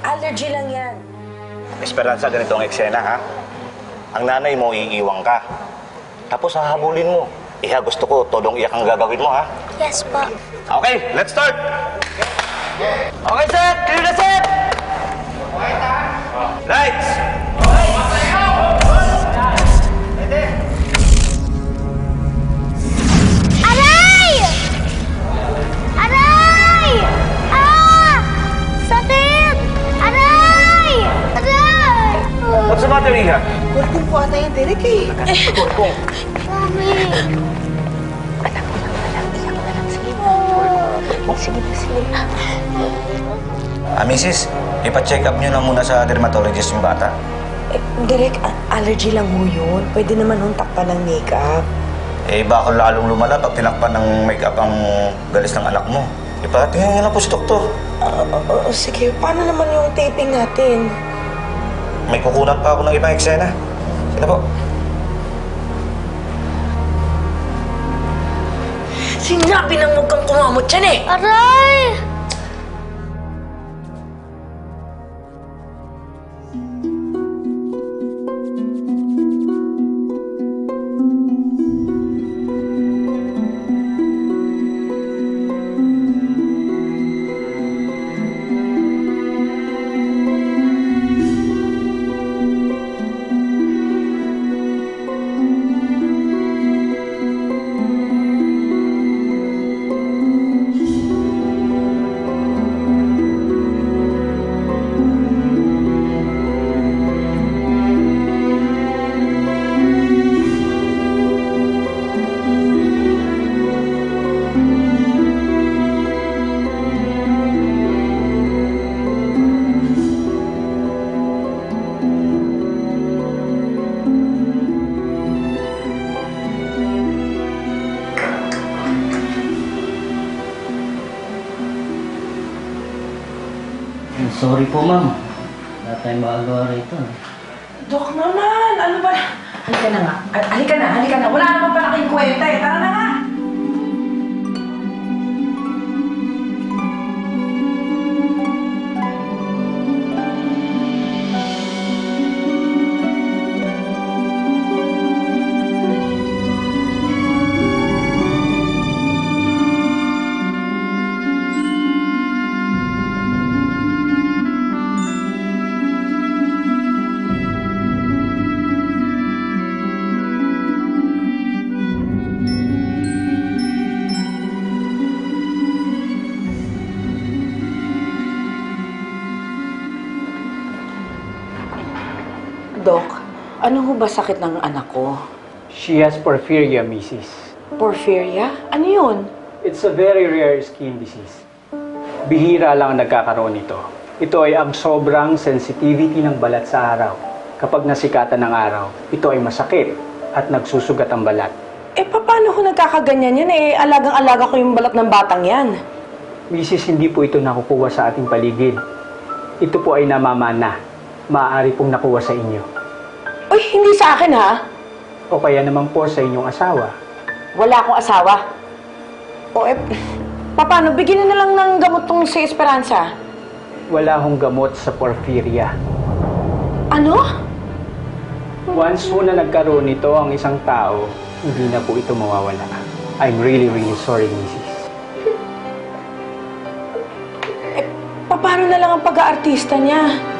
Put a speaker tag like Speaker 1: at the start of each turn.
Speaker 1: Allergy lang yan.
Speaker 2: Esperanza, ganito ang eksena, ha? Ang nanay mo, iiwang ka. Tapos hahabulin mo. Iha, gusto ko, todong iyak ang gagawin mo, ha?
Speaker 3: Yes po.
Speaker 2: Okay, let's start!
Speaker 4: Okay, set! Clear na, set!
Speaker 2: Lights!
Speaker 3: Aray! Aray! Ah! Sakit! Aray! Aray!
Speaker 2: What's the matter, Iha?
Speaker 1: Kurkong po ata yung Derek eh.
Speaker 2: Kurkong.
Speaker 3: Mami!
Speaker 2: Mrs., ipa-check up nyo na muna sa dermatologist yung bata.
Speaker 1: Derek, allergy lang ho yun. Pwede naman hong takpan ng makeup.
Speaker 2: Baka lalong lumala pag tinakpan ng makeup ang galis ng anak mo. Ipatingin nyo na po si doktor.
Speaker 1: Sige, paano naman yung taping natin?
Speaker 2: May kukunat pa ako ng ibang eksena. Sino po?
Speaker 1: Sinabi nang huwag kang kumamot yan eh!
Speaker 3: Aray!
Speaker 4: Sorry po, ma'am. Wala tayong magagawa rito.
Speaker 1: Dok naman, ano ba? Halika na nga. Halika na. Wala naman pala kayong kwenta eh. Tara na nga. Dok, ano ho ba sakit ng anak ko?
Speaker 5: She has porphyria, Mrs.
Speaker 1: Porphyria? Ano yun?
Speaker 5: It's a very rare skin disease. Bihira lang ang nagkakaroon nito. Ito ay ang sobrang sensitivity ng balat sa araw. Kapag nasikatan ng araw, ito ay masakit at nagsusugat ang balat.
Speaker 1: Paano ho nagkakaganyan yan eh? Alagang-alaga ko yung balat ng batang yan.
Speaker 5: Mrs., hindi po ito nakukuha sa ating paligid. Ito po ay namamana. Maaari pong nakuha sa inyo.
Speaker 1: Uy, hindi sa akin ha?
Speaker 5: O kaya naman po sa inyong asawa.
Speaker 1: Wala akong asawa. Paano? Bigyan na lang ng gamot tong si Esperanza.
Speaker 5: Wala hong gamot sa porphyria.
Speaker 1: Ano?
Speaker 5: Once po na nagkaroon nito ang isang tao, hindi na po ito mawawala. I'm really, really sorry, Mrs.
Speaker 1: Paano na lang ang pag-aartista niya?